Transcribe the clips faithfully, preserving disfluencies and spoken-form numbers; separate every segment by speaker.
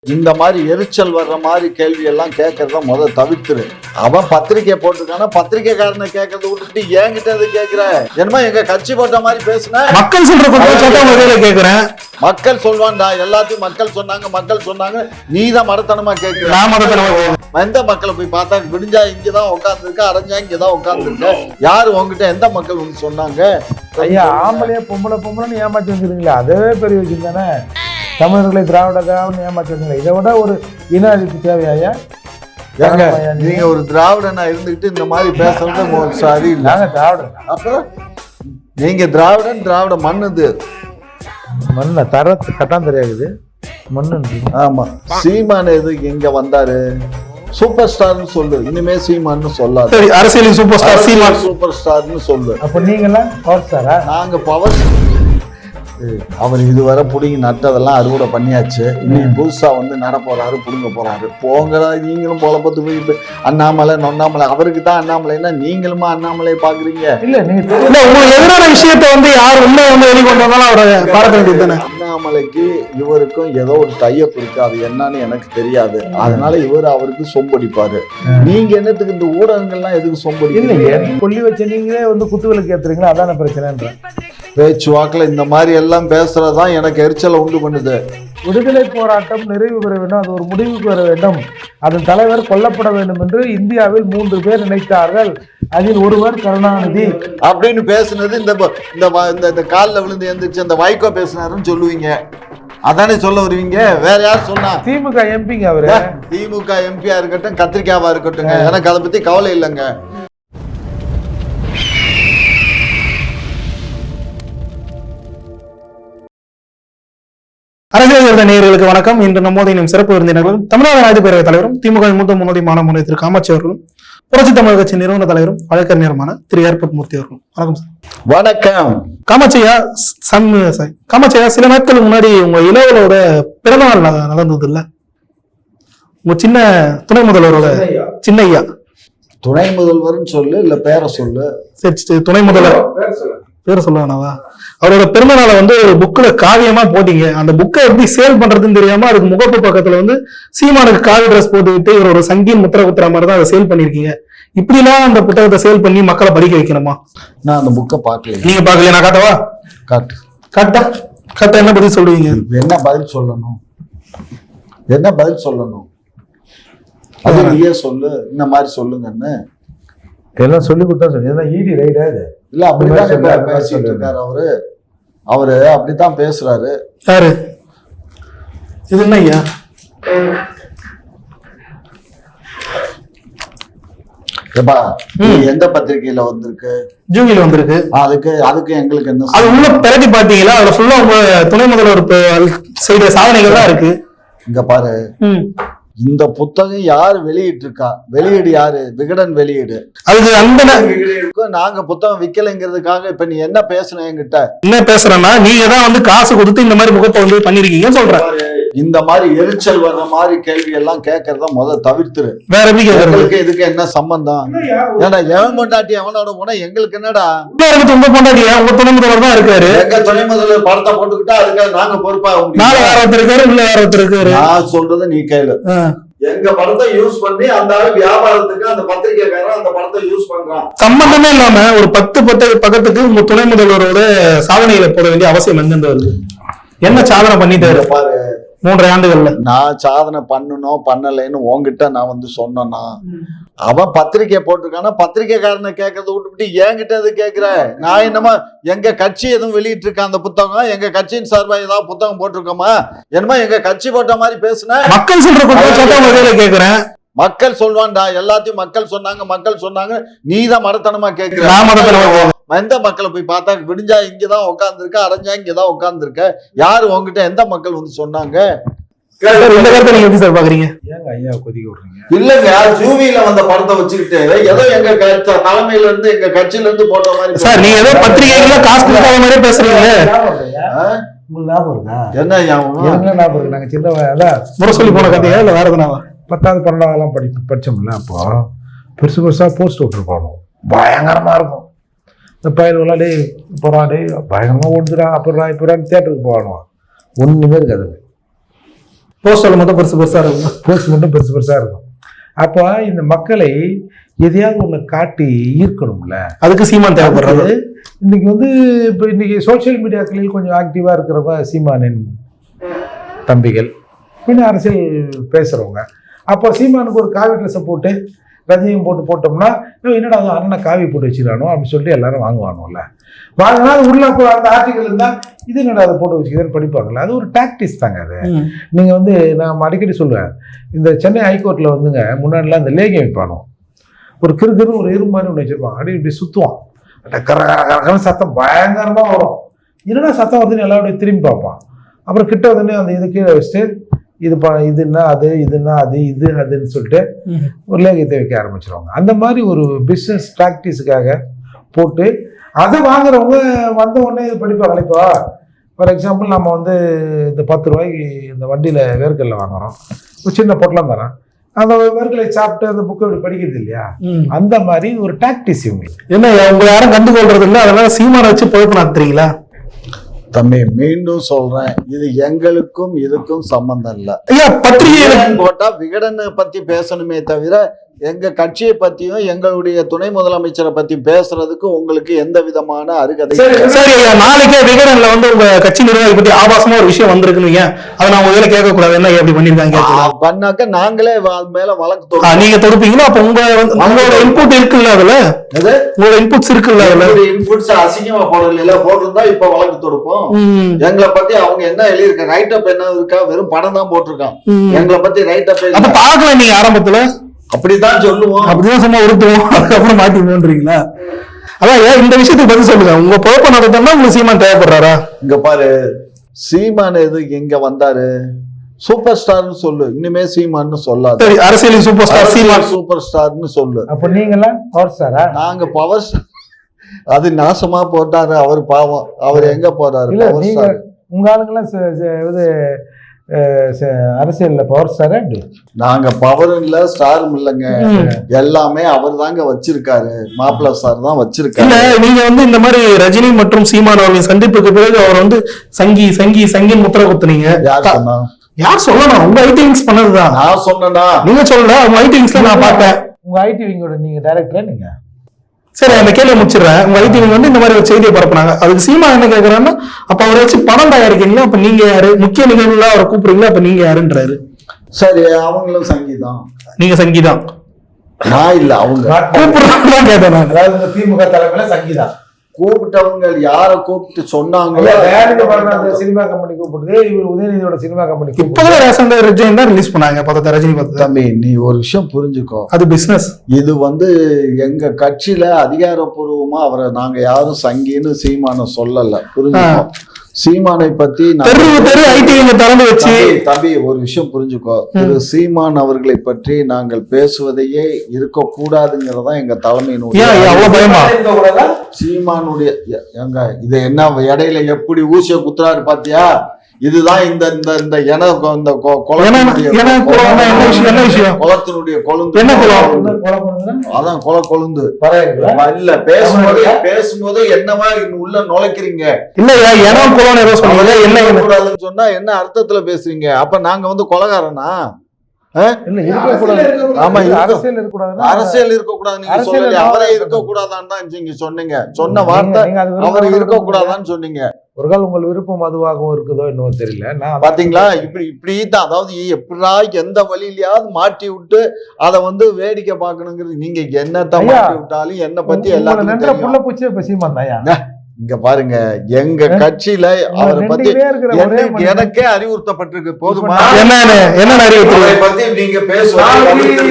Speaker 1: இந்த மாதிரி எரிச்சல் வர்ற மாதிரி கேள்வி எல்லாம் கேட்கறத முதல் தவிர்த்துரு. அவன் பத்திரிக்கை போட்டிருக்கானா பத்திரிக்கைக்காரனை கேட்கறத விட்டுட்டு என்கிட்ட அது கேட்கிற என்னமா எங்க கட்சி போட்ட மாதிரி பேசுன
Speaker 2: மக்கள் சொல்ற கேக்குறேன்.
Speaker 1: மக்கள் சொல்வான்டா, எல்லாத்தையும் மக்கள் சொன்னாங்க மக்கள் சொன்னாங்க, நீ தான் மடத்தனமா கேட்கிற. எந்த மக்களை போய் பார்த்தா விடிஞ்சா இங்கதான் உட்காந்துருக்க, அரைஞ்சா இங்கதான் உட்காந்துருக்க, யாரு உங்ககிட்ட எந்த மக்கள் வந்து சொன்னாங்க?
Speaker 3: ஐயா ஆம்பளையா பொம்பளை பொம்பளைன்னு ஏமாற்றி வந்துருக்கீங்களா, அதுவே பெரிய விஷயம் தானே. தமிழர்களை திராவிட திராவிட ஏமாற்றுங்களா, இதை விட ஒரு இன அழிப்பு தேவையா?
Speaker 1: நீங்க ஒரு திராவிடனா இருந்துகிட்டு இந்த மாதிரி பேசுறது சரி இல்லை.
Speaker 3: திராவிடன்
Speaker 1: அப்புறம் நீங்க திராவிடன், திராவிட மண்ணுது
Speaker 3: மண்ண தர கட்டான் தெரியாது மண்ணு.
Speaker 1: ஆமா, சீமான் எது இங்க வந்தாரு? சூப்பர் ஸ்டார்னு சொல்லு, இனிமே சீமான்னு சொல்லாது.
Speaker 2: அரசியல் சூப்பர் ஸ்டார் சீமான்
Speaker 1: சூப்பர் ஸ்டார்னு சொல்லு.
Speaker 3: அப்ப நீங்க எல்லாம் பவர் ஸ்டாரா?
Speaker 1: நாங்க பவர். அவர் இதுவரை புடிங்கி நட்டதெல்லாம் அறுவடை பண்ணியாச்சு. இன்னைக்கு புதுசா வந்து நட போறாரு, புடுங்க போறாரு. போங்கடா நீங்களும் பொழப்பத்து போய் அண்ணாமலை நொண்ணாமலை. அவருக்கு தான் அண்ணாமலைன்னா நீங்களுமா அண்ணாமலையை பாக்குறீங்க?
Speaker 3: இல்ல நீங்க
Speaker 2: உங்களுக்கு எதிரான விஷயத்த வந்து யார் உண்மை வந்து வெளிக்கொண்டு வந்தாலும் அவரை பாராட்ட வேண்டியது தானே.
Speaker 1: அண்ணாமலைக்கு இவருக்கும் ஏதோ ஒரு டைப் இருக்கு, அது என்னன்னு எனக்கு தெரியாது. அதனால இவர் அவருக்கு சொம்படிப்பாரு. நீங்க என்னத்துக்கு இந்த ஊடகங்கள்லாம் எதுக்கு சொம்படி?
Speaker 3: இல்லையே கொல்லி வச்ச நீங்களே வந்து குத்துவிளக்கு ஏத்துறீங்களா, அதான பிரச்சனைன்ற.
Speaker 1: பேச்சுவாக்கில் இந்த மாதிரி எல்லாம் பேசுறதுதான் எனக்கு எரிச்சலை உண்டு பண்ணுது.
Speaker 3: விடுதலை போராட்டம் நிறைவு பெற வேண்டும், அது ஒரு முடிவுக்கு வர வேண்டும், அதன் தலைவர் கொல்லப்பட வேண்டும் என்று இந்தியாவில் மூன்று பேர் நினைத்தார்கள், அதில் ஒருவர் கருணாநிதி
Speaker 1: அப்படின்னு பேசுனது இந்த இந்த காலில் விழுந்து எந்திரிச்சு அந்த வைகோ பேசினாருன்னு சொல்லுவீங்க, அதானே சொல்ல வருவீங்க? வேற யார் சொன்னா?
Speaker 3: திமுக எம்பிங்க அவரு.
Speaker 1: திமுக எம்பியா இருக்கட்டும், கத்திரிக்காவா இருக்கட்டும், எனக்கு அதை பத்தி கவலை இல்லைங்க.
Speaker 2: அரசியல் நேயர்களுக்கு வணக்கம். இன்று நம்மோடு இனம் சிறப்பு விருந்தினர்களும் தமிழ்நாடு நாயுடு பேரவைத் தலைவரும் திமுக மூத்த முன்னோடி மாணவ திரு காமாட்சி அவர்களும் புரட்சி தமிழக கட்சி நிறுவன தலைவரும் வழக்கறிஞருமான திரு ஏற்பட் மூர்த்தி அவர்களும். வணக்கம் சார்.
Speaker 1: வணக்கம்.
Speaker 2: காமாட்சியா, சம் காமாட்சியா, சில நாட்களுக்கு முன்னாடி உங்க இளவலோட பிறந்தநாள் நடந்தது இல்ல? உங்க சின்ன துணை முதல்வரோட சின்னையா.
Speaker 1: துணை முதல்வர்னு சொல்லு இல்ல பேரை சொல்லு.
Speaker 2: சரி, துணை முதல்வர் பேரை சொல்லுவானாவா? அவரோட பிறந்தநாளை வந்து ஒரு புக்ல காவியமா போட்டீங்க. அந்த புக்கை எப்படி சேல் பண்றதுன்னு தெரியாம அதுக்கு முகப்பு பக்கத்துல வந்து சீமானுக்கு காவி ட்ரெஸ் போட்டு விட்டு இவர் ஒரு சங்கீன் முத்திர குத்துற மாதிரி தான் அதை சேல் பண்ணிருக்கீங்க. இப்படிலாம் அந்த புத்தகத்தை சேல் பண்ணி மக்களை படிக்க வைக்கணுமா?
Speaker 1: நான் அந்த புக்கை பார்க்கல.
Speaker 2: நீங்க பாக்கல? நான் காட்டவா?
Speaker 1: காட்டு.
Speaker 2: காட்டா காட்டா என்ன பதில் சொல்லுவீங்க?
Speaker 1: என்ன பதில் சொல்லணும்? என்ன பதில் சொல்லணும்? அது நீயே சொல்லு, இந்த மாதிரி சொல்லுங்கன்னு
Speaker 3: எல்லாம் சொல்லி கொடுத்தா சொல்லி ஈடி ரைடா இது
Speaker 1: இல்ல. அப்படிதான் பேசிட்டு இருக்காரு அவரு. அவரு அப்படித்தான் பேசுறாரு.
Speaker 2: யாரு இது? என்ன ஐயா? எந்த
Speaker 1: பத்திரிகையில வந்திருக்கு?
Speaker 2: ஜூகில வந்திருக்கு.
Speaker 1: அதுக்கு அதுக்கு எங்களுக்கு என்ன?
Speaker 2: அது உள்ள பிரதி பாத்தீங்களா? அதுல ஃபுல்லா உங்க துணை முதல்வர் செய்த சாதனைகள் தான் இருக்கு.
Speaker 1: இங்க பாரு, இந்த புத்தகம் யாரு வெளியிட்டு இருக்கா? வெளியீடு யாரு? விகடன் வெளியீடு. அதுக்கு அந்த நாங்க புத்தகம் விக்கலைங்கிறதுக்காக இப்ப நீ என்ன பேசுன? என்கிட்ட
Speaker 2: என்ன பேசுறேன்னா, நீங்க தான் வந்து காசு கொடுத்து இந்த மாதிரி முகத்தை வந்து பண்ணிருக்கீங்கன்னு சொல்றேன்.
Speaker 1: இந்த மாதிரி எரிச்சல் வர்ற மாதிரி கேள்வி எல்லாம் கேட்கறத முதல் தவிர்த்துரு.
Speaker 2: வேற எப்படி கேட்கறதுக்கு?
Speaker 1: இதுக்கு என்ன சம்பந்தம்? ஏன்னா எவன் பொண்டாட்டி அவனோட போனா எங்களுக்கு என்னடா?
Speaker 2: உங்க பொண்டாட்டியா? உங்க துணை முதல்வர் தான் இருக்காரு.
Speaker 1: எங்க துணை முதல்வர் படத்தை போட்டுக்கிட்டா அதுக்காக நாங்க பொறுப்பா?
Speaker 2: நாலு வேற ஒருத்தர் இருக்காரு, உள்ள வேற ஒருத்தர் இருக்காரு.
Speaker 1: நான் சொல்றதை நீ கேளு. எங்க படத்தை யூஸ் பண்ணி அந்த வியாபாரத்துக்கு அந்த பத்திரிகைக்காரன் அந்த படத்தை யூஸ் பண்றான்.
Speaker 2: சம்பந்தமே இல்லாம ஒரு பத்து பத்து பக்கத்துக்கு உங்க துணை முதல்வரோட சாதனைகளை போட வேண்டிய அவசியம் எங்க வருது? என்ன சாதனை பண்ணிட்டு பாரு மூன்றரை ஆண்டுகள்ல. நான்
Speaker 1: சாதனை பண்ணணும் பண்ணலைன்னு உங்ககிட்ட நான் வந்து சொன்னா, அவன் பத்திரிகை போட்டிருக்கானா பத்திரிகைக்காரனை கேட்கறத விட்டுவிட்டு என்கிட்ட எது கேட்கிற? நான் என்னமா எங்க கட்சி எதுவும் வெளியிட்டு இருக்க அந்த புத்தகம்? எங்க கட்சியின் சார்பா ஏதாவது புத்தகம் போட்டிருக்கோமா? என்னமா எங்க கட்சி போட்ட மாதிரி பேசுன?
Speaker 2: மக்கள் சொல்ற கேக்குறேன்.
Speaker 1: மக்கள் சொல்வான்டா, எல்லாத்தையும் மக்கள் சொன்னாங்க மக்கள் சொன்னாங்க, நீ தான் மடத்தனமா கேட்கிற. எந்த மக்களை போய் பார்த்தா விடிஞ்சா இங்கதான் உட்காந்துருக்க, அரைஞ்சா இங்கதான் உட்காந்துருக்க, யாரு உங்ககிட்ட எந்த மக்கள் வந்து சொன்னாங்க? இல்லங்க, ஜூவில வந்த படத்தை வச்சுக்கிட்டு ஏதோ எங்க தலைமையில இருந்து எங்க கட்சியில இருந்து போட்ட மாதிரி
Speaker 2: சார், நீங்க ஏதோ பத்திரிகைகள காசு கொடுக்காத மாதிரி பேசுறீங்க.
Speaker 1: என்ன ஞாபகம்
Speaker 3: இருக்கு? நாங்க சின்ன
Speaker 2: முறை சொல்லி போன கதையா இல்ல வேற எதுனா?
Speaker 3: பத்தாவது பன்னெண்டாவதெல்லாம் படி படிச்சோம்ல, அப்போ பெருசு பெருசா போஸ்ட் விட்டுருப்பாங்க, பயங்கரமா இருக்கும். இந்த பயிர் விளாடி போறாடி பயங்கரமா ஓடுதுடா, அப்புறம் இப்ப தியேட்டருக்கு போகணும், ஒண்ணுமே இருக்காது.
Speaker 2: போஸ்டர்ல மட்டும் பெருசு பெருசா இருக்கும்,
Speaker 3: போஸ்ட் மட்டும் பெருசு பெருசா இருக்கும். அப்போ இந்த மக்களை எதையாவது ஒண்ணு காட்டி ஈர்க்கணும்ல,
Speaker 2: அதுக்கு சீமான் தேவைப்படுறது.
Speaker 3: இன்னைக்கு வந்து இப்போ இன்னைக்கு சோசியல் மீடியாக்களில் கொஞ்சம் ஆக்டிவா இருக்கிறவங்க சீமானின் தம்பிகள், பின்ன அரசியல் பேசுறவங்க. அப்போ சீமானுக்கு ஒரு காவி ட்ரெஸ்ஸை போட்டு ரஜினியும் போட்டு போட்டோம்னா என்னடா அது அண்ணனை காவி போட்டு வச்சுக்கிறானோ அப்படின்னு சொல்லிட்டு எல்லாரும் வாங்குவானும்ல. வாங்கினா உள்ள அந்த ஆர்டிகல் இருந்தால் இது என்னடா அதை போட்டு வச்சுக்கிறேன்னு படிப்பாங்கல்ல. அது ஒரு டாக்டிஸ் தாங்க. அது நீங்கள் வந்து நான் அடிக்கடி சொல்லுவேன், இந்த சென்னை ஹைகோர்ட்டில் வந்துங்க முன்னாடிலாம் இந்த லேகியம் வைப்பானோ, ஒரு கிறுகிறு ஒரு இரும்பு மாதிரி ஒன்று வச்சிருப்பாங்க, அப்படி இப்படி சுற்றுவான், கர கர சத்தம் பயங்கரமாக வரும். என்னடா சத்தம் வருதுன்னு எல்லாருடைய திரும்பி பார்ப்பான். அப்புறம் கிட்ட வந்து அந்த இது கீழே வச்சுட்டு இது ப இதுன்னா அது இதுன்னா அது இது அதுன்னு சொல்லிட்டு ஒரு லேகியத்தை வைக்க ஆரம்பிச்சிருவாங்க. அந்த மாதிரி ஒரு பிஸ்னஸ் ப்ராக்டிஸுக்காக போட்டு அதை வாங்குறவங்க வந்த உடனே இது படிப்பாங்க. இப்போ ஃபார் எக்ஸாம்பிள் நம்ம வந்து இந்த பத்து ரூபாய்க்கு இந்த வண்டியில் வேர்க்கல்ல வாங்குறோம், ஒரு சின்ன பொட்டலம் தரேன், அந்த வேர்க்கலை சாப்பிட்டு அந்த புக்கை இப்படி படிக்கிறது இல்லையா, அந்த மாதிரி ஒரு டாக்டிஸ் இவங்க.
Speaker 2: என்ன உங்களை யாரும் கண்டுகொள்றது இல்லை, அதனால சீமானை வச்சு பொழப்பு நடத்துறீங்களா?
Speaker 1: தம்பி மீண்டும் சொல்றேன், இது எங்களுக்கும் இதுக்கும் சம்பந்தம் இல்ல.
Speaker 2: ஐயா பத்திரிகை
Speaker 1: போட்டா விகடனை பத்தி பேசணுமே தவிர எங்க கட்சியை பத்தியும் எங்களுடைய துணை முதலமைச்சரை பத்தி பேசுறதுக்கு உங்களுக்கு எந்த விதமான அருகதை.
Speaker 2: சரி ஐயா, நாளைக்கே விகடன்ல வந்து உங்க கட்சி நிர்வாகி பத்தி ஆபாசமா ஒரு விஷயம் வந்திருக்குன்னு அதை நான் உங்க கேட்க கூடாது, என்ன எப்படி பண்ணிருக்காங்க
Speaker 1: பண்ணாக்க நாங்களே மேல வழக்கு
Speaker 2: நீங்க தொடுப்பீங்களா? அப்ப உங்க உங்களோட இன்புட் இருக்குல்ல, அதுல உங்களோட இன்புட்ஸ் இருக்குல்ல, அதுல
Speaker 1: இன்புட்ஸ் அசிங்கமா போடல போட்டிருந்தா இப்ப வழக்கு தொடுப்போம். எங்களை பத்தி அவங்க என்ன எழுதியிருக்க ரைட் அப் என்ன இருக்கா, வெறும் படம் தான் போட்டிருக்கான். எங்களை பத்தி ரைட் அப்
Speaker 2: அப்ப பாக்கல நீங்க ஆரம்பத்துல
Speaker 1: அப்படிதான் சொல்லுவோம்,
Speaker 2: அப்படிதான் சும்மா உருட்டுவோம், அதுக்கப்புறம் மாட்டி போன்றீங்களா? அதான் ஏன் இந்த விஷயத்துக்கு பதில் சொல்லுங்க. உங்க பொழப்ப நடத்தா உங்களுக்கு சீமான் தேவைப்படுறாரா?
Speaker 1: இங்க பாரு, சீமான் எது இங்க வந்தாரு, சூப்பர் ஸ்டார்னு சொல்லு, இனிமே சீமான்னு சொல்லாது.
Speaker 2: அரசியல் சூப்பர் ஸ்டார் சீமான்
Speaker 1: சூப்பர் ஸ்டார்னு சொல்லு.
Speaker 3: அப்ப நீங்களா பவர் ஸ்டாரா?
Speaker 1: நாங்க பவர் ஸ்டார். அது நாசமா போட்டாரு அவர், பாவம். அவர் எங்க போறாரு?
Speaker 3: நீங்க உங்க ஆளுங்கெல்லாம் இது அரசியல்ல பவர் ஸ்டாரா?
Speaker 1: நாங்க பவர் இல்ல ஸ்டாரும் இல்லைங்க, எல்லாமே அவர் தாங்க வச்சிருக்காரு, மாப்பிள்ள சார் தான் வச்சிருக்காரு.
Speaker 2: நீங்க வந்து இந்த மாதிரி ரஜினி மற்றும் சீமான் அவர்களின் சந்திப்புக்கு பிறகு அவர் வந்து சங்கி சங்கி சங்கின் முத்திர குத்துனீங்க.
Speaker 1: யார் சொன்னா?
Speaker 2: யார் சொல்லணும்? உங்க ஐடி விங்ஸ் பண்ணதுதான்.
Speaker 1: நான் சொன்னா நீங்க
Speaker 2: சொல்லல, உங்க ஐடி விங்ஸ்ல நான் பார்த்தேன்.
Speaker 3: உங்க ஐடி விங்கோட நீங்க டைரக்டரா நீங்க?
Speaker 2: சரி, அந்த கேள்வி முடிச்சிடுறேன். உங்க ஐடி விங் வந்து இந்த மாதிரி ஒரு செய்தியை பரப்புனாங்க, அதுக்கு சீமா என்ன கேட்கறாருன்னா, அப்ப அவரை வச்சு படம் தயாரிக்கீங்களா, அப்ப நீங்க யாரு? முக்கிய நிகழ்வுல அவரை கூப்பிடுறீங்களா, அப்ப நீங்க யாருன்றாரு.
Speaker 1: சரி, அவங்களும் சங்கிதான்.
Speaker 2: நீங்க சங்கிதான்?
Speaker 1: நான் இல்ல, அவங்க
Speaker 2: கூப்பிடுறாங்க கேட்டேன்.
Speaker 3: அதாவது திமுக தலைமையில சங்கிதான்
Speaker 1: கூப்பிட்டவங்க யார கூப்பிட்டு சொன்னாங்க?
Speaker 3: சினிமா கம்பெனி கூப்பிடுது, இவர் உதயநிதியோட சினிமா கம்பெனி.
Speaker 2: இப்பதான் ரேஷன் ரஜினி தான் ரிலீஸ் பண்ணாங்க பக்கத்து ரஜினி பக்கத்து.
Speaker 1: தம்பி, நீ ஒரு விஷயம் புரிஞ்சுக்கோ,
Speaker 2: அது பிசினஸ்.
Speaker 1: இது வந்து எங்க கட்சியில அதிகாரப்பூர்வமா அவரை நாங்க யாரும் சங்கின்னு சீமான சொல்லல, புரிஞ்சுக்கோ. சீமானை பத்தி
Speaker 2: திறந்து வச்சு
Speaker 1: தம்பி ஒரு விஷயம் புரிஞ்சுக்கோ, திரு சீமான் அவர்களை பற்றி நாங்கள் பேசுவதையே இருக்க கூடாதுங்கிறதா எங்க தலைமையினுடைய. சீமானுடைய எங்க இது என்ன இடையில எப்படி ஊசிய குத்துறாரு பாத்தியா? இதுதான் இந்த இந்த இந்த என இந்த குளத்தினுடைய கொழுந்து. அதான் குள கொழுந்து இல்ல. பேசும்போது பேசும்போது என்னவா உள்ள நுழைக்கிறீங்க கூடாதுன்னு சொன்னா என்ன அர்த்தத்துல பேசுறீங்க? அப்ப நாங்க வந்து கொலைகாரனா? அரசியல் இருக்கக்கூடாது நீங்க சொல்லல, அவரே இருக்கக்கூடாதான்னு தான் நீங்க சொன்னீங்க. சொன்ன வார்த்தை அவர் இருக்கக்கூடாதான்னு சொன்னீங்க.
Speaker 3: ஒரு கால் உங்கள் விருப்பம் அதுவாகவும் இருக்குதோ என்னவோ தெரியல. நான்
Speaker 1: பாத்தீங்களா, இப்படி இப்படிதான், அதாவது எப்படா எந்த வழியிலயாவது மாட்டி விட்டு அதை வந்து வேடிக்கை பார்க்கணுங்கிறது. நீங்க என்னத்தான் மாட்டி விட்டாலும் என்ன பத்தி எல்லாரும்
Speaker 3: புள்ள பூச்சி இப்ப சீமான் தான்.
Speaker 1: இங்க பாருங்க, எங்க கட்சியில அவரை பத்தி எனக்கே அறிவுறுத்தப்பட்டிருக்கு. போதுமா?
Speaker 2: என்ன அறிவுறுத்தலை
Speaker 1: பத்தி நீங்க பேசுவாங்க.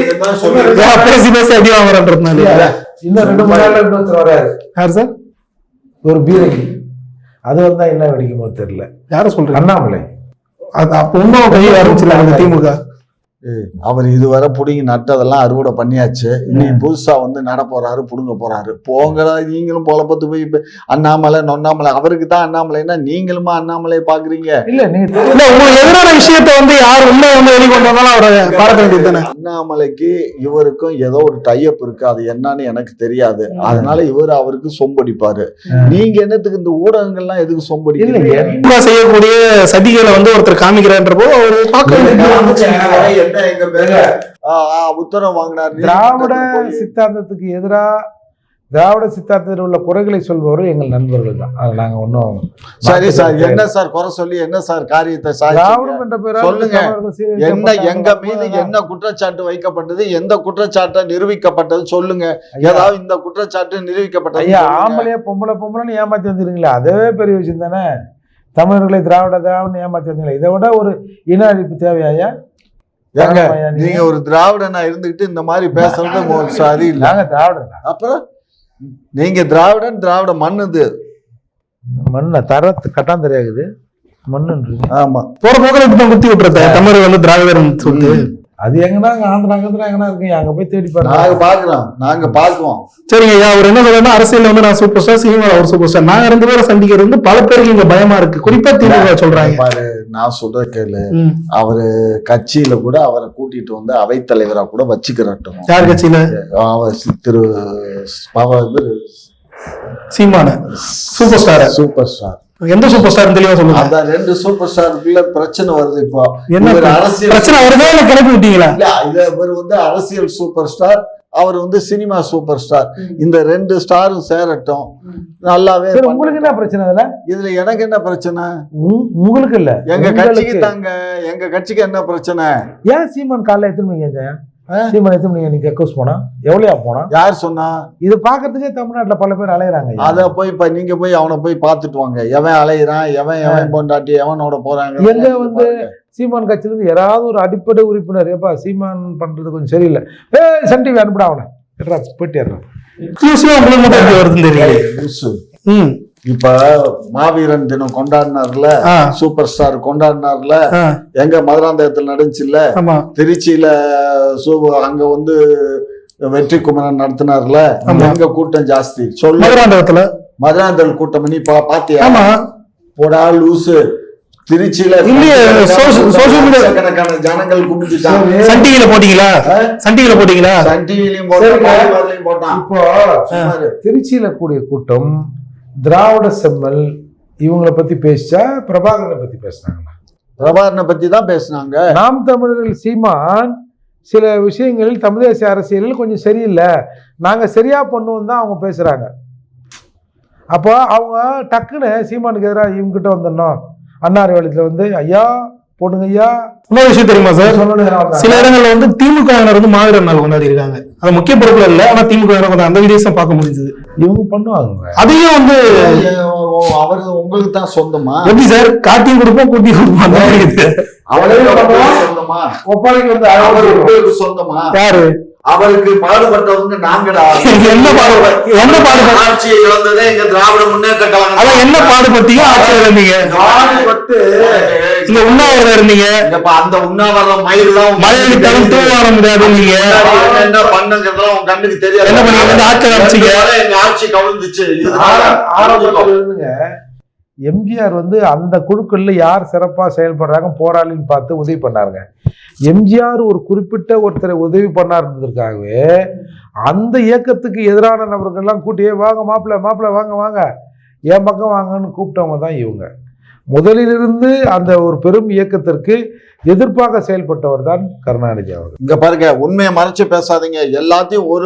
Speaker 3: இன்னும் ரெண்டு மூணு நாள்ல இன்னொருத்தர் வராரு. யார் சார்? ஒரு பீரங்கி. அது வந்தா என்ன வெடிக்குமோ தெரியல. யாரும் சொல்றேன்? அண்ணாமலை.
Speaker 2: அது அப்ப இன்னும் கையை ஆரம்பிச்சிருக்காங்க திமுக.
Speaker 1: அவர் இதுவரை புடுங்கி நட்டதெல்லாம் அறுவடை பண்ணியாச்சு. இன்னைக்கு புதுசா வந்து நட போறாரு, புடுங்க போறாரு. போங்களா நீங்களும் பொழப்பத்து போய் இப்ப அண்ணாமலை நொண்ணாமலை. அவருக்கு தான் அண்ணாமலைன்னா நீங்களுமா அண்ணாமலையை பாக்குறீங்க?
Speaker 3: இல்ல நீங்க
Speaker 2: இல்ல உங்களுக்கு எதிரான விஷயத்த வந்து யார் உண்மை வந்து வெளிக்கொண்டு வந்தாலும் அவரை பார்க்க வேண்டியது தானே.
Speaker 1: அண்ணாமலைக்கு இவருக்கும் ஏதோ ஒரு டைப் இருக்கு, அது என்னன்னு எனக்கு தெரியாது. அதனால இவர் அவருக்கு சொம்படிப்பாரு. நீங்க என்னத்துக்கு இந்த ஊடகங்கள்லாம் எதுக்கு சொம்படிக்கிறீங்க?
Speaker 2: செய்யக்கூடிய சதிகளை வந்து ஒருத்தர் காமிக்கிறான்றப்போ அவர் பார்க்க
Speaker 1: என்ன எங்க பேரு உத்தரவு வாங்கினார்.
Speaker 3: திராவிட சித்தாந்தத்துக்கு எதிரா திராவிட சித்தாந்தத்தில் உள்ள குறைகளை சொல்பவர்கள் எங்கள் நண்பர்கள் தான். அது நாங்க ஒன்னும்
Speaker 1: சரி சார், என்ன சார் குறை சொல்லி என்ன சார் காரியத்தை
Speaker 3: திராவிடம் என்ற பெயரால்
Speaker 1: சொல்லுங்க. என்ன எங்க மீது என்ன குற்றச்சாட்டு வைக்கப்பட்டது, எந்த குற்றச்சாட்டை நிரூபிக்கப்பட்டது சொல்லுங்க. ஏதாவது இந்த குற்றச்சாட்டு நிரூபிக்கப்பட்டது.
Speaker 3: ஐயா ஆம்பளையா பொம்பளை பொம்பளைன்னு ஏமாத்தி வந்துருங்களா, அதுவே பெரிய விஷயம் தானே. தமிழர்களை திராவிட திராவிட ஏமாத்தி வந்தீங்களா, இதை விட ஒரு இன அழிப்பு தேவையா?
Speaker 1: ஏங்க நீங்க ஒரு திராவிடனா இருந்துகிட்டு இந்த மாதிரி பேசுறது சரி இல்ல.
Speaker 3: திராவிடன்
Speaker 1: அப்புறம் நீங்க திராவிடன், திராவிட மண்ணுது
Speaker 3: மண்ண தரத்து கட்டான் தெரியாது மண்ணுன்றீங்க.
Speaker 2: ஆமா போற போக்கில் இப்படி குத்தி விட்டுறத தமிழ் வந்து திராவிடர்னு சொல்லிட்டு
Speaker 3: அது எங்கன்னா ஆந்திரா ஆந்திரா எங்கன்னா இருக்கு, அங்க போய் தேடி பாருங்க.
Speaker 1: நாங்க பாக்குறோம், நாங்க பாக்குவோம்.
Speaker 2: சரிங்க ஐயா, அவர் என்ன சொல்றா அரசியல் வந்து நான் சூப்பர் ஸ்டார், சினிமா அவர் சூப்பர் ஸ்டார். நாங்க ரெண்டு பேரும் சந்திக்கிறது வந்து பல பேருக்கு இங்க பயமா இருக்கு, குறிப்பா திமுக சொல்றாங்க.
Speaker 1: பாரு நான் சொல்ற கேளு, அவரு கட்சியில கூட அவரை கூட்டிட்டு வந்து அவைத்தலைவரா கூட வச்சுக்கிறட்டும்.
Speaker 2: யார் கட்சியில?
Speaker 1: அவர் திரு
Speaker 2: சீமான சூப்பர் ஸ்டார்.
Speaker 1: சூப்பர் ஸ்டார்
Speaker 2: எந்த சூப்பர் ஸ்டார் தெளிவா சொல்லுங்க.
Speaker 1: அதான் ரெண்டு சூப்பர் ஸ்டாருக்குள்ள பிரச்சனை வருது. இப்போ
Speaker 2: என்ன அரசியல் பிரச்சனை வருதே கிளப்பி விட்டீங்களா?
Speaker 1: இல்ல இவர் வந்து அரசியல் சூப்பர் ஸ்டார், அவர் வந்து சினிமா சூப்பர் ஸ்டார். இந்த ரெண்டு ஸ்டாரும் சேரட்டும், நல்லாவே.
Speaker 3: உங்களுக்கு என்ன பிரச்சனை இதுல?
Speaker 1: இதுல எனக்கு என்ன பிரச்சனை?
Speaker 3: உங்களுக்கு இல்ல,
Speaker 1: எங்க கட்சிக்கு தாங்க. எங்க கட்சிக்கு என்ன பிரச்சனை?
Speaker 3: ஏன் சீமான் காலைல எத்தனை மணிக்கு சீமான் எத்தனை மணிக்கு நீங்க கக்கூஸ் போனா எவ்வளவு போனா?
Speaker 1: யார் சொன்னா? இது
Speaker 3: பாக்குறதுக்கே தமிழ்நாட்டுல பல பேர் அலையறாங்க.
Speaker 1: அத போய் இப்ப நீங்க போய் அவனை போய் பாத்துட்டு வாங்க. எவன் அலையிறான், எவன் எவன் பொண்டாட்டி எவனோட போறாங்க.
Speaker 3: எங்க வந்து சீமான் கட்சியில இருந்து யாராவது ஒரு அடிப்படை உறுப்பினர் ஏப்பா சீமான் பண்றது கொஞ்சம் சரியில்லை, ஏ சன் டிவி அனுப்பிடா அவனை போயிட்டேறான். இப்ப மாவீரன் தினம் கொண்டாடினார்ல, சூப்பர் ஸ்டார் கொண்டாடினார்ல, எங்க மதுராந்தகத்தில் நடந்துச்சுல்ல, திருச்சியில அங்க வந்து வெற்றி குமரன் நடத்தினார்ல, எங்க கூட்டம் ஜாஸ்தி சொல்லு. மதுராந்தகத்துல மதுராந்தகல் கூட்டம் நீ பாத்தியா? போடா லூசு. திருச்சியில கணக்கான ஜனங்கள் குமிஞ்சுட்டாங்க.
Speaker 2: சன் டிவில போட்டீங்களா? சன் டிவில போட்டீங்களா?
Speaker 1: சன் டிவிலையும் போட்டான்.
Speaker 3: இப்போ திருச்சியில கூடிய கூட்டம் திராவிட செம்மல் இவங்களை பத்தி பேசிச்சா பிரபாகரனை பத்தி பேசினாங்களா?
Speaker 1: பிரபாகரனை பத்தி தான் பேசினாங்க.
Speaker 3: நாம் தமிழர்கள் சீமான் சில விஷயங்களில் தமிழ் தேசிய அரசியலில் கொஞ்சம் சரியில்லை, நாங்க சரியா பண்ணுவோம் தான் அவங்க பேசுறாங்க. அப்போ அவங்க டக்குன்னு சீமானுக்கு எதிராக இவங்க கிட்ட வந்துடணும். அன்னார் வேலத்துல வந்து ஐயா போடுங்க ஐயா.
Speaker 2: இன்னொரு விஷயம் தெரியுமா சார், சில இடங்கள்ல வந்து திமுக வந்து மாவீரர் நாள் கொண்டாடி இருக்காங்க. அது முக்கிய பொறுப்புல இல்ல, ஆனா திமுக அந்த வீடியோஸ் பார்க்க முடிஞ்சது.
Speaker 3: இவங்க பண்ணுவாங்க.
Speaker 2: அதையும் வந்து
Speaker 1: அவரு உங்களுக்கு தான் சொந்தமா?
Speaker 2: எப்படி சார் காட்டியும் கொடுப்போம் கூட்டி கொடுப்போம் அந்த
Speaker 1: சொந்தமா? ஒப்பாளைக்கு வந்து அவருக்கு சொந்தமா? யாரு? அவருக்கு பாடுபட்டவங்க நாங்கடா.
Speaker 2: என்ன பாடுபட்டு என்ன பாடுபட்டு
Speaker 1: ஆட்சியை இழந்ததே எங்க திராவிட முன்னேற்ற கழகம்.
Speaker 2: அதான் என்ன பாடுபட்டீங்க? ஆட்சியில் இருந்தீங்க,
Speaker 1: பாடுபட்டு
Speaker 2: இங்க உண்ணாவிரதம் இருந்தீங்க.
Speaker 1: அந்த உண்ணாவிரதம் மயில் தான்
Speaker 2: மழைக்கு தரம் தூ வர முடியாது. நீங்க
Speaker 1: என்ன பண்ணுங்கிறதுலாம் உங்க கண்ணுக்கு தெரியாது.
Speaker 2: என்ன பண்ணீங்க? ஆட்சி அமைச்சிங்க,
Speaker 1: எங்க ஆட்சி கவிழ்ந்துச்சு.
Speaker 3: ஆரம்பத்துல எம்ஜிஆர் வந்து அந்த குழுக்கள்ல யார் சிறப்பா செயல்படுறாங்க போராளின்னு பார்த்து உதவி பண்ணாருங்க. எம்ஜிஆர் ஒரு குறிப்பிட்ட ஒருத்தரை உதவி பண்ணாருன்றதுக்காகவே அந்த இயக்கத்துக்கு எதிரான நபர்கள்லாம் கூட்டியே வாங்க மாப்பிள்ள மாப்பிள்ள வாங்க வாங்க என் பக்கம் வாங்கன்னு கூப்பிட்டவங்க தான் இவங்க. முதலிலிருந்து அந்த ஒரு பெரும் இயக்கத்திற்கு எதிர்ப்பாக செயல்பட்டவர் தான் கருணாநிதி அவர்.
Speaker 1: இங்க பாருங்க, உண்மையை மறைச்சு பேசாதீங்க. எல்லாத்தையும் ஒரு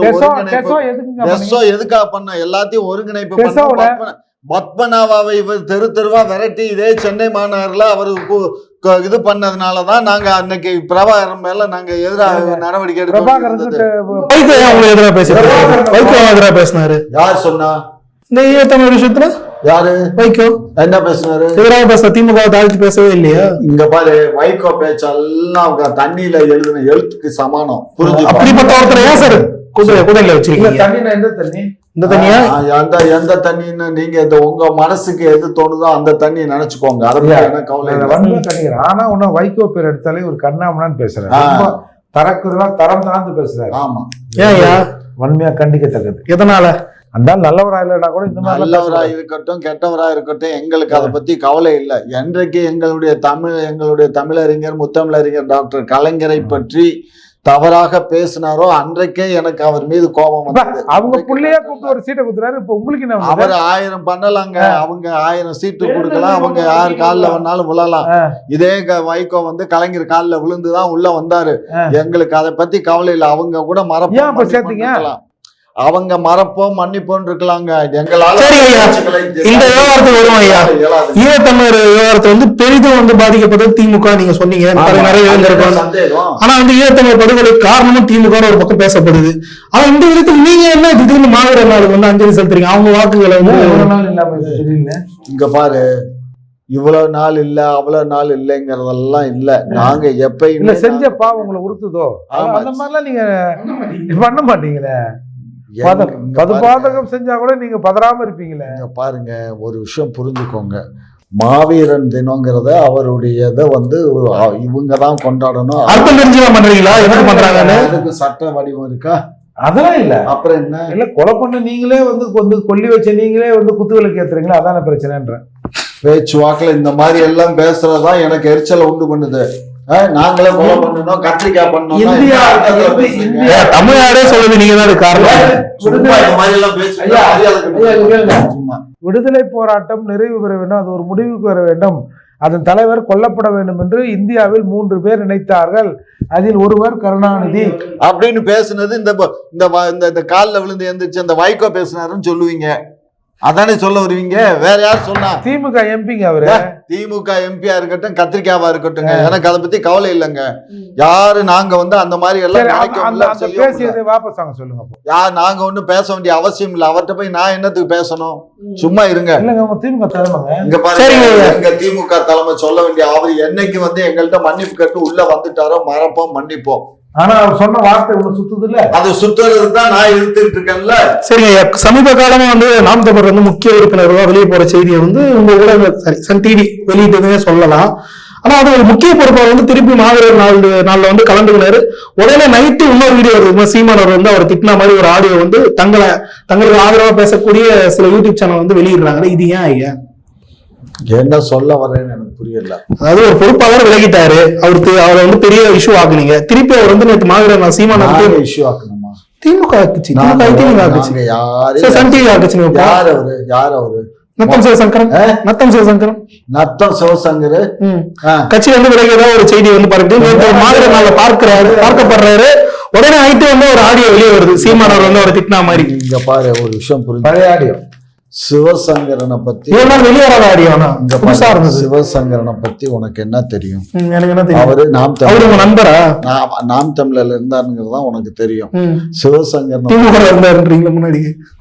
Speaker 1: எதுக்காக பண்ண எல்லாத்தையும் ஒருங்கிணைப்பு பண்ண. பத்மநாபாவை இவர் தெரு தெருவா விரட்டி இதே சென்னை மாநகர்ல அவருக்கு இது பண்ணதுனாலதான் நாங்க அன்னைக்கு பிரபாகரன் மேல நாங்க எதிராக நடவடிக்கை
Speaker 2: எடுக்க பேசினாரு.
Speaker 1: யார் சொன்னா
Speaker 2: இந்த தமிழ் விஷயத்துல?
Speaker 1: யாரு? வைகோ என்ன பேசினாரு?
Speaker 2: எதிராக பேச திமுக தாழ்த்தி பேசவே இல்லையா?
Speaker 1: இங்க பாரு, வைகோ பேச்செல்லாம் தண்ணியில எழுதின எழுத்துக்கு சமானம். புரிஞ்சு
Speaker 2: அப்படிப்பட்ட ஒருத்தர் ஏன் சார் குதிரை குதிரையில வச்சிருக்கீங்க?
Speaker 3: தண்ணியில எந்த தண்ணி?
Speaker 2: இந்த தண்ணியா
Speaker 1: எந்த எந்த தண்ணின்னு நீங்க இந்த உங்க மனசுக்கு எது தோணுதோ அந்த தண்ணியை நினைச்சுக்கோங்க. அதை பத்தி என்ன கவலை இல்லை.
Speaker 3: வன்மை கண்டிக்கிறேன். ஆனா ஒன்னும் வைகோ பேர் எடுத்தாலே ஒரு கண்ணாமனான்னு பேசுறாரு. தரக்குறதா தரம் தாழ்ந்து பேசுறாரு.
Speaker 1: ஆமா,
Speaker 2: ஏன்
Speaker 3: வன்மையா கண்டிக்கத்தக்கது.
Speaker 2: எதனால?
Speaker 3: அந்த நல்லவரா இல்லைன்னா கூட இந்த மாதிரி
Speaker 1: நல்லவரா இருக்கட்டும் கெட்டவரா இருக்கட்டும் எங்களுக்கு அதை பத்தி கவலை இல்லை. என்றைக்கு எங்களுடைய தமிழ் எங்களுடைய தமிழறிஞர் முத்தமிழறிஞர் டாக்டர் கலைஞரை பற்றி தவறாக பேசினாரோ அன்றைக்கே எனக்கு அவர் மீது கோபம் வந்தது.
Speaker 3: அவங்க புள்ளையா கூப்பிட்டு ஒரு சீட்டை கொடுத்துறாரு. இப்ப உங்களுக்கு என்ன?
Speaker 1: அவர் ஆயிரம் பண்ணலாங்க, அவங்க ஆயிரம் சீட்டு கொடுக்கலாம், அவங்க யார் காலில் வேணாலும் விழலாம். இதே வைகோ வந்து கலைஞர் காலில் விழுந்துதான் உள்ள வந்தாரு. எங்களுக்கு அதை பத்தி கவலை இல்லை. அவங்க கூட மறப்போம் சேர்த்தீங்க, அவங்க மறப்போம் மன்னிப்போம் இருக்கலாங்க. எங்களால
Speaker 2: இந்த விவகாரத்துக்கு வருவோம் ஐயா. ஈழத்தமிழர் விவகாரத்தை வந்து பெரிதும் வந்து பாதிக்கப்பட்டது திமுக நீங்க சொன்னீங்க. நிறைய ஆனா வந்து ஈழத்தமிழர் படுகொலை காரணமும் திமுக ஒரு பக்கம் பேசப்படுது. ஆனா இந்த விதத்தில் நீங்க என்ன திடீர்னு மாவீரர் நாளுக்கு வந்து அஞ்சலி செலுத்துறீங்க? அவங்க வாக்குகளை வந்து எவ்வளவு நாள் இல்லாம
Speaker 1: இங்க பாரு, இவ்வளவு நாள் இல்ல அவ்வளவு நாள் இல்லைங்கிறதெல்லாம் இல்ல. நாங்க எப்பயுமே
Speaker 3: செஞ்ச பாவம் உங்களை உறுத்துதோ அந்த மாதிரிலாம் நீங்க பண்ண மாட்டீங்களே. பதுபாதகம் செஞ்சா கூட நீங்க பதறாம இருப்பீங்களே.
Speaker 1: பாருங்க, ஒரு விஷயம் புரிஞ்சுக்கோங்க. மாவீரன் தினங்கிறத அவருடைய இதை வந்து இவங்க தான் கொண்டாடணும்.
Speaker 2: அர்த்தம் தெரிஞ்சுதான் பண்றீங்களா? என்ன பண்றாங்கன்னு
Speaker 1: அதுக்கு சட்ட வடிவம் இருக்கா?
Speaker 3: அதெல்லாம் இல்ல.
Speaker 1: அப்புறம் என்ன?
Speaker 3: இல்ல, கொலை பண்ண நீங்களே வந்து வந்து கொல்லி வச்ச நீங்களே வந்து குத்துவிளக்கு ஏத்துறீங்களா? அதான பிரச்சனைன்ற
Speaker 2: பேச்சுவாக்குல
Speaker 1: இந்த மாதிரி எல்லாம் பேசுறதுதான் எனக்கு எரிச்சலை உண்டு பண்ணுது. நாங்களே கொலை பண்ணணும், கத்திரிக்காய் பண்ணணும்.
Speaker 2: தமிழ்நாடே சொல்லுது நீங்க தான் காரணம்.
Speaker 3: விடுதலை போராட்டம் நிறைவு பெற வேண்டும், அது ஒரு முடிவுக்கு வர வேண்டும், அதன் தலைவர் கொல்லப்பட வேண்டும் என்று இந்தியாவில் மூன்று பேர் நினைத்தார்கள். அதில் ஒருவர் கருணாநிதி
Speaker 1: அப்படின்னு பேசுனது இந்த இந்த காலில் விழுந்து எந்திரிச்சு அந்த வைகோ பேசினாருன்னு சொல்லுவீங்க. அதானே சொல்ல வருவீங்க? வேற யார் சொன்னா?
Speaker 3: திமுக எம்பிங்க அவரு.
Speaker 1: திமுக எம்பியா இருக்கட்டும் கத்திரிக்காவா இருக்கட்டும், எனக்கு அதை பத்தி கவலை இல்லைங்க. யாரு நாங்க வந்து அந்த மாதிரி எல்லாம்
Speaker 3: வாபஸ் வாங்க சொல்லுங்க.
Speaker 1: யார் நாங்க ஒண்ணும் பேச வேண்டிய அவசியம் இல்லை. அவர்கிட்ட போய் நான் என்னத்துக்கு பேசணும்? சும்மா இருங்க.
Speaker 3: திமுக தலைமை
Speaker 1: இங்க பாருங்க, எங்க திமுக தலைமை சொல்ல வேண்டிய அவர் என்னைக்கு வந்து எங்கள்கிட்ட மன்னிப்பு கேட்டு உள்ள வந்துட்டாரோ மறப்போம் மன்னிப்போம்.
Speaker 3: ஆனா அவர் சொன்ன வார்த்தை ஒண்ணு சுத்துது இல்ல,
Speaker 1: அது சுத்துறது தான் நான் இழுத்துட்டு இருக்கேன்ல.
Speaker 2: சரிங்க, சமீப காலமா வந்து நாம் தமிழர் வந்து முக்கிய உறுப்பினர்களா வெளியே போற செய்தியை வந்து உங்க ஊடக சரி சன் டிவி வெளியிட்டதுன்னே சொல்லலாம். ஆனா அது ஒரு முக்கிய பொறுப்பை வந்து திருப்பி மாவீரர் நாள் நாள்ல வந்து கலந்துக்கினாரு. உடனே நைட்டு இன்னொரு வீடியோ வருது, சீமானவர் வந்து அவர் திட்டின மாதிரி ஒரு ஆடியோ வந்து தங்களை தங்களுக்கு ஆதரவா பேசக்கூடிய சில யூடியூப் சேனல் வந்து வெளியிடுறாங்க. இது ஏன் ஐயா?
Speaker 1: என்ன சொல்ல வர்றேன்னு எனக்கு புரியல.
Speaker 2: அதாவது ஒரு பொறுப்பாளர் விலகிட்டாரு, அவருக்கு அவரை வந்து பெரிய இஷ்யூ ஆக்குனீங்க. திருப்பி அவர் வந்து நேற்று மாவீரர் சீமானவர்
Speaker 1: இஷ்யூ ஆக்கணுமா?
Speaker 2: திமுக ஆக்குச்சு, திமுக ஆக்குச்சு, சன் டிவி ஆக்குச்சு.
Speaker 1: யார் அவரு? யார் அவரு?
Speaker 2: நத்தம் சிவசங்கரன். நத்தம் சிவசங்கரன்
Speaker 1: நத்தம் சிவசங்கர்
Speaker 2: கட்சி வந்து விலகியதா ஒரு செய்தி வந்து பரப்பிட்டு மாவீரர் நாளை பார்க்கிறாரு, பார்க்கப்படுறாரு. உடனே ஆயிட்டு வந்து ஒரு ஆடியோ வெளியே வருது, சீமானவர் வந்து அவர் திட்டினா மாதிரி.
Speaker 1: இங்க பாரு, ஒரு விஷயம் புரிஞ்சு,
Speaker 3: பழைய ஆடியோ
Speaker 1: சிவசங்கரனை பத்தி
Speaker 2: வெளியேறாத ஆடியோ.
Speaker 1: சிவசங்கரனை பத்தி உனக்கு என்ன தெரியும்?
Speaker 2: எனக்கு என்ன தெரியும்?
Speaker 1: அவரு நாம்
Speaker 2: தமிழ் நண்பரா?
Speaker 1: நாம் தமிழர்ல இருந்தாருங்கிறது தான் உனக்கு தெரியும். சிவசங்கரன்
Speaker 2: இருந்தாருன்றீங்களா முன்னாடி?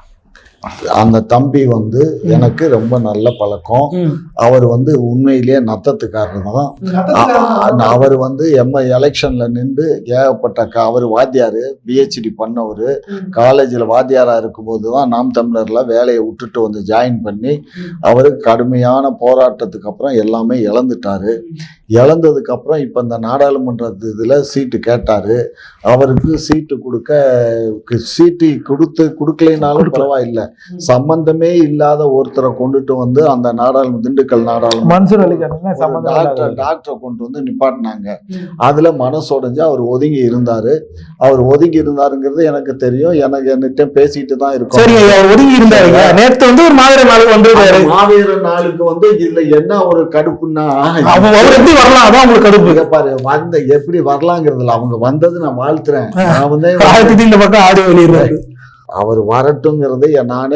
Speaker 1: அந்த தம்பி வந்து எனக்கு ரொம்ப நல்ல பழக்கம். அவர் வந்து உண்மையிலேயே நத்தத்துக்காரர் தான். அவர் வந்து எம்ம எலெக்ஷன்ல நின்று ஏகப்பட்ட அவர் வாத்தியாரு, பிஹெச்டி பண்ணவர், காலேஜில் வாத்தியாரா இருக்கும்போது தான் நாம் தமிழர்ல வேலையை விட்டுட்டு வந்து ஜாயின் பண்ணி அவரு கடுமையான போராட்டத்துக்கு அப்புறம் எல்லாமே இழந்துட்டாரு. இழந்ததுக்கு அப்புறம் இப்ப இந்த நாடாளுமன்ற இதுல சீட்டு கேட்டாரு. அவருக்கு சீட்டு கொடுக்க சீட்டு கொடுத்து கொடுக்கலைனாலும் பரவாயில்லை, சம்பந்தமே இல்லாத ஒருத்தரை கொண்டுட்டு வந்து அந்த நாடாளுமன்ற திண்டுக்கல் நாடாளுமன்ற டாக்டர் டாக்டரை கொண்டு வந்து நிப்பாட்டினாங்க. அதுல மனசோடைஞ்சு அவர் ஒதுங்கி இருந்தாரு. அவர் ஒதுங்கி இருந்தாருங்கிறது எனக்கு தெரியும். எனக்கு என்கிட்ட பேசிட்டு தான் இருக்கும்.
Speaker 2: ஒதுங்கி இருந்தாரு. நேற்று வந்து ஒரு மாவீரர் நாளுக்கு வந்து
Speaker 1: மாவீரர் நாளுக்கு வந்து இதுல என்ன ஒரு கடுப்புன்னா
Speaker 2: வரலாம், அதான் உங்களுக்கு கடுப்பு.
Speaker 1: பாரு, வந்த எப்படி வரலாங்கிறதுல அவங்க வந்தது நான் வாழ்த்துறேன். நான் வந்து
Speaker 2: இந்த பக்கம் ஆடியோ வெளியிடுறாரு.
Speaker 1: அவர் வரட்டுங்கிறது நானே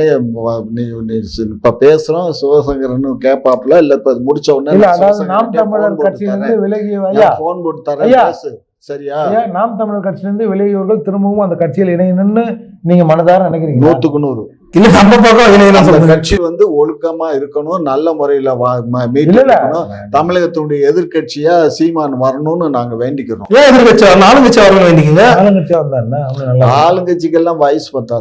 Speaker 1: இப்ப பேசுறோம். சிவசங்கரன் கேப்பாப்ல இல்ல, இப்ப முடிச்ச உடனே
Speaker 3: நாம் தமிழர் கட்சியிலிருந்து விலகிய
Speaker 1: போன் போட்டு தரேன். சரியா?
Speaker 3: நாம் தமிழர் கட்சியிலிருந்து விலகியவர்கள் திரும்பவும் அந்த கட்சியில் இணையணும்னு நீங்க மனதார நினைக்கிறீங்க?
Speaker 1: நூத்துக்கு நூறு.
Speaker 2: இல்ல, நம்ம பக்கம்
Speaker 1: கட்சி வந்து ஒழுக்கமா இருக்கணும், நல்ல முறையில மீட்கணும். தமிழகத்தினுடைய எதிர்கட்சியா சீமான் வரணும்னு நாங்க வேண்டிக்கிறோம்.
Speaker 2: ஏன் எதிர்கட்சி? ஆளுங்கட்சி வரணும் வேண்டிக்கீங்க.
Speaker 3: ஆளுங்கட்சியா வந்தா
Speaker 1: ஆளுங்கட்சிக்கெல்லாம் வயசு பத்தாது.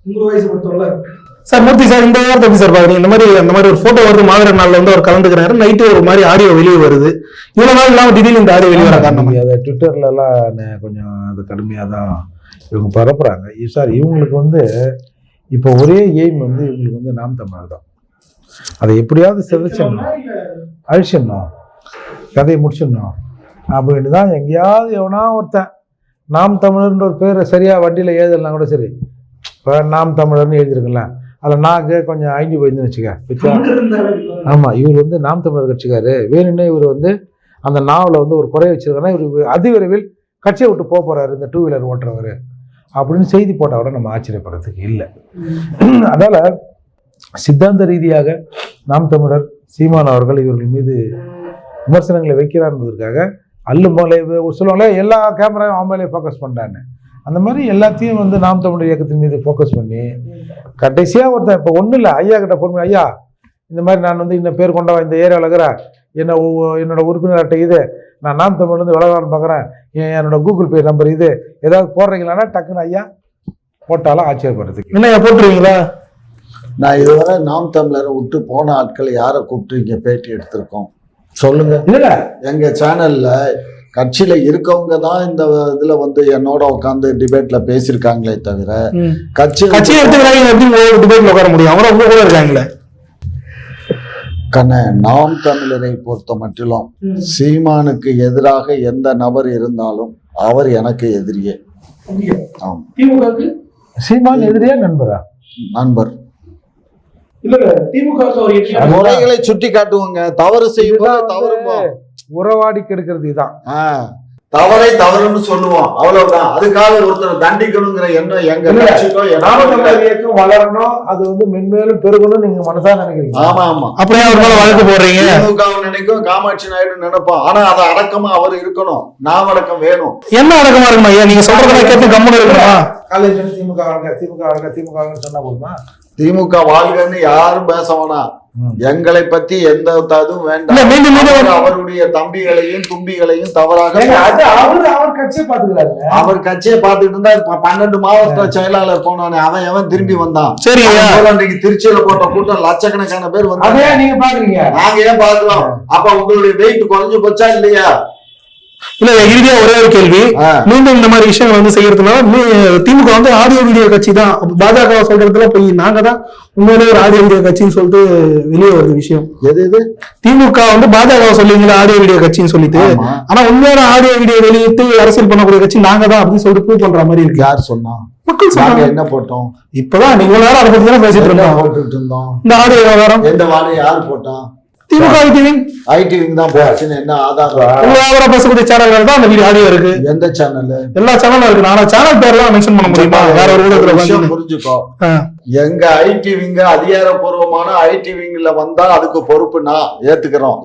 Speaker 2: உங்க வயசு பொறுத்தவரை சார் மூர்த்தி சார் இந்த வாரத்தை எப்படி சார் பாக்குறீங்க? இந்த மாதிரி அந்த மாதிரி ஒரு போட்டோ வருது, மாவீரர் நாள்ல வந்து அவர் கலந்துக்கிறாரு, நைட்டு ஒரு மாதிரி ஆடியோ வெளியே வருது, இவ்வளவு நாள் இல்லாம திடீர்னு இந்த ஆடியோ வெளியே வர காரணம்
Speaker 3: அதை ட்விட்டர்ல எல்லாம் நே- கொஞ்சம் அது கடுமையாக தான் இவங்க பரப்புறாங்க. சார் இவங்களுக்கு வந்து இப்போ ஒரே எய்ம் வந்து இவங்களுக்கு வந்து நாம் தமிழர் தான். அதை எப்படியாவது சிதைச்சிடணும், அழிச்சிடணும், கதையை முடிச்சிடணும் அப்படின்னு தான். எங்கேயாவது எவனா ஒருத்தன் நாம் தமிழர்ன்ற ஒரு பேரை சரியா வண்டியில் எழுதலாம் கூட சரி, இப்போ நாம் தமிழர்னு எழுதிருக்கலாம், அதில் நாக்கு கொஞ்சம் ஐந்து போயிருந்துன்னு வச்சுக்க. ஆமாம், இவர் வந்து நாம் தமிழர் கட்சிக்காரு, வேணும்னே இவர் வந்து அந்த நாவலை வந்து ஒரு குறை வச்சிருக்காருன்னா இவர் அதிவிரைவில் கட்சியை விட்டு போக போறாரு இந்த டூ வீலர் ஓட்டுறவர் அப்படின்னு செய்தி போட்டால் கூட நம்ம ஆச்சரியப்படுறதுக்கு இல்லை. அதனால சித்தாந்த ரீதியாக நாம் தமிழர் சீமான் அவர்கள் இவர்கள் மீது விமர்சனங்களை வைக்கிறார் என்பதற்காக அல்லும் போல சொல்லுவாங்களே எல்லா கேமராவும் அவன் மேலே ஃபோக்கஸ் பண்ணுறான்னு, அந்த மாதிரி எல்லாத்தையும் வந்து நாம் தமிழர் இயக்கத்தின் மீது ஃபோக்கஸ் பண்ணி கடைசியாக ஒருத்தன் இப்போ ஒன்றும் இல்லை, ஐயா கிட்ட பொறுமை, ஐயா இந்த மாதிரி நான் வந்து இந்த பேர் கொண்டவன் இந்த ஏரியாவில் இருக்கிறேன், என்ன என்னோட உறுப்பினர் அட்டை இது, நான் நாம் தமிழ் வந்து விளம்பரம் பார்க்குறேன், என்னோட கூகுள் பே நம்பர் இது, ஏதாவது போடுறீங்களான்னா டக்குன்னு ஐயா போட்டாலும் ஆச்சரியப்படுறதுக்கு
Speaker 2: என்ன போட்டுருவீங்களா?
Speaker 1: நான் இதுவரை நாம் தமிழரை விட்டு போன ஆட்கள் யாரை கூப்பிட்டு இங்க பேட்டி எடுத்திருக்கோம் சொல்லுங்க.
Speaker 3: இல்ல
Speaker 1: எங்க சேனல்ல கட்சியில இருக்கவங்க தான் இந்த இதுல வந்து என்னோட உட்காந்து டிபேட்ல பேசியிருக்காங்களே தவிர கட்சி
Speaker 2: கட்சியை எடுத்துக்கிறாங்க எப்படி டிபேட்ல உட்கார முடியும்? அவரை உங்க கூட இருக்காங்களே.
Speaker 1: கண்ண நாம் தமிழரை பொறுத்த மட்டிலும் சீமானுக்கு எதிராக எந்த நபர் இருந்தாலும் அவர் எனக்கு எதிரியே. ஆம்,
Speaker 2: திமுகவுக்கு
Speaker 3: சீமான் எதிரியா நண்பரா?
Speaker 1: நண்பர்.
Speaker 2: இல்ல திமுக
Speaker 1: முறைகளை சுட்டி காட்டுவாங்க, தவறு செய்யும் போது தவறுமா
Speaker 3: உறவாடி கெடுக்கிறது இதுதான்.
Speaker 1: தவறை தவறுன்னு சொல்லுவோம், அவ்வளவுதான். அதுக்காக ஒருத்தர் தண்டிக்கணுங்கிற எண்ணம் எங்க கட்சிக்கோ
Speaker 3: இயக்கம் வளரணும், அது வந்து மென்மேலும் பெருகணும் நீங்க மனசா நினைக்கிறீங்க.
Speaker 1: ஆமா ஆமா,
Speaker 2: அப்படியே அவர் மேல வழக்கு போடுறீங்க.
Speaker 1: திமுக நினைக்கும், காமாட்சி நாயுடு நினைப்போம், ஆனா அதை அடக்கமா அவர் இருக்கணும், நாம் அடக்கம் வேணும்.
Speaker 2: என்ன அடக்கமா இருக்கணும் ஐயா? நீங்க சொல்றதெல்லாம் கேட்டு கம்முன்னு இருக்கணுமா?
Speaker 3: காலேஜ் திமுக வாழ்க திமுக வாழ்க திமுக வாழ்க சொன்னா போதுமா?
Speaker 1: திமுக வாழ்கன்னு யாரும் பேச வேணாம், எங்களை பத்தி எந்த இதுவும் வேண்டாம்.
Speaker 2: மீண்டும் மீண்டும்
Speaker 1: அவருடைய தம்பிகளையும் தும்பிகளையும் தவறாக
Speaker 3: அவர் கட்சியை பாத்துக்கிறாரு,
Speaker 1: அவர் கட்சியை பார்த்துட்டு இருந்தா இப்ப பன்னெண்டு மாவட்ட செயலாளர் போனானே அவன் எவன் திரும்பி வந்தான்?
Speaker 2: சரி,
Speaker 1: அன்றைக்கு திருச்சியில போட்ட கூட்டம் லட்சக்கணக்கான பேர் வந்தாங்க,
Speaker 3: நீங்க பாக்குறீங்க,
Speaker 1: நாங்க ஏன் பாக்குறோம்? அப்ப உங்களுடைய வெயிட் குறைஞ்சு போச்சா இல்லையா?
Speaker 2: இல்ல இறுதியா ஒரே ஒரு கேள்வி, மீண்டும் இந்த மாதிரி விஷயங்கள் வந்து செய்யறதுனால திமுக வந்து ஆடியோ வீடியோ கட்சி தான், பாஜக சொல்றதுல போய் நாங்க தான் உண்மையிலே ஒரு ஆடியோ வீடியோ கட்சின்னு சொல்லிட்டு வெளியே வருது விஷயம்.
Speaker 1: எது இது?
Speaker 2: திமுக வந்து பாஜக சொல்லுவீங்களா ஆடியோ வீடியோ கட்சின்னு சொல்லிட்டு, ஆனா உண்மையான ஆடியோ வீடியோ வெளியிட்டு அரசியல் பண்ணக்கூடிய கட்சி நாங்க தான் அப்படின்னு சொல்லிட்டு ப்ரூவ் பண்ற மாதிரி இருக்கு.
Speaker 1: யார் சொன்னா?
Speaker 2: மக்கள் சொன்னாங்க.
Speaker 1: என்ன போட்டோம்?
Speaker 2: இப்பதான் நீங்க நேரம் அதை பத்தி தானே பேசிட்டு இருந்தோம்.
Speaker 1: போட்டுட்டு இருந்தோம்.
Speaker 2: இந்த ஆடியோ விவகாரம்
Speaker 1: எந்த வாரம் யார் போட்டான்?
Speaker 2: திமுக ஐடிவிங்
Speaker 1: ஐடிவிங் தான் போச்சுன்னு என்ன ஆதாரம்?
Speaker 2: விவகாரம் பேசக்கூடிய சேனல்கள் தான் அந்த வீடியோ ஆடியோ இருக்கு.
Speaker 1: எந்த சேனல்?
Speaker 2: எல்லா சேனலும் இருக்கு. ஆனா சேனல் பேர்லாம் மென்ஷன் பண்ண முடியுமா? வேற ஒரு ஊடகத்துல
Speaker 1: புரிஞ்சுக்கோ, எங்க ஐடி விங்க அதிகாரப்பூர்வமான ஐடி விங்ல வந்தா அதுக்கு பொறுப்பு நான் ஏத்துக்கிறோம்,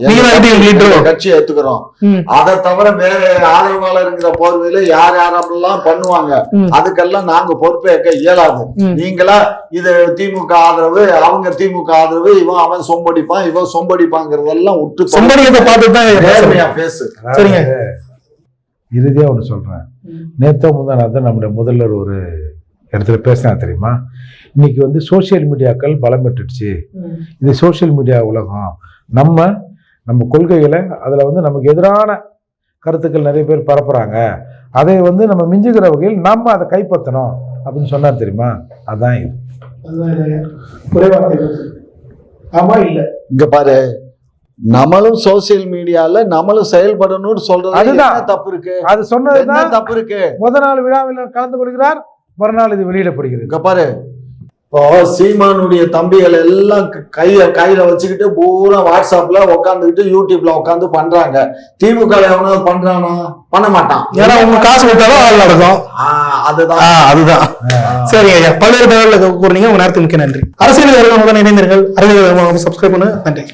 Speaker 1: கட்சி ஏத்துக்கிறோம். அதை தவிர வேற ஆதரவாளருங்கிற போர்வையில யார் யாரெல்லாம் பண்ணுவாங்க அதுக்கெல்லாம் நாங்க பொறுப்பேற்க இயலாது. நீங்களா இது திமுக ஆதரவு, அவங்க திமுக ஆதரவு, இவன் அவன் சொம்படிப்பான் இவன் சொம்படிப்பாங்கிறதெல்லாம் விட்டு
Speaker 2: சொம்படிக்கிறத பார்த்துதான்
Speaker 1: நேர்மையா பேசு.
Speaker 2: சரிங்க,
Speaker 3: இறுதியா ஒண்ணு சொல்றேன். நேத்தோ முந்தானாத்தான் நம்முடைய முதல்வர் ஒரு இடத்துல பேசினா தெரியுமா, இன்னைக்கு வந்து சோசியல் மீடியாக்கள் பலம் பெற்றுடுச்சு, இது சோசியல் மீடியா உலகம், நம்ம நம்ம கொள்கைகளை அதில் வந்து நமக்கு எதிரான கருத்துக்கள் நிறைய பேர் பரப்புறாங்க, அதை வந்து நம்ம மிஞ்சுகிற வகையில் நம்ம அதை கைப்பற்றணும் அப்படின்னு சொன்னார் தெரியுமா. அதான் இது.
Speaker 2: ஆமா இல்ல
Speaker 1: இங்க பாரு, நம்மளும் சோசியல் மீடியால நம்மளும் செயல்படணும்னு சொல்றது
Speaker 3: அதுதான்
Speaker 1: தப்பு இருக்கு.
Speaker 3: அது சொன்னதுதான்
Speaker 1: தப்பு இருக்கு.
Speaker 3: முதல் நாள் விழாவில் கலந்து கொள்கிறார், மறுநாள் இது வெளியிடப்படுகிறது.
Speaker 1: இங்க பாரு, இப்போ சீமானுடைய தம்பிகள் எல்லாம் கைய கையில வச்சுக்கிட்டு பூரா வாட்ஸ்அப்ல உட்காந்துக்கிட்டு யூடியூப்ல உட்காந்து பண்றாங்க. திமுக எவனாவது பண்றானா? பண்ண மாட்டான்.
Speaker 2: ஏன்னா உங்க காசு கொடுத்தாலும் ஆள் நடக்கும்.
Speaker 1: அதுதான்
Speaker 2: அதுதான். சரி ஐயா, பல்வேறு தகவல்கள் கூறினீங்க. உங்க நேரத்துக்கு மிக்க நன்றி. அரசியல் இணைந்திருங்கள். அரசியல் சப்ஸ்கிரைப் பண்ணு. நன்றி.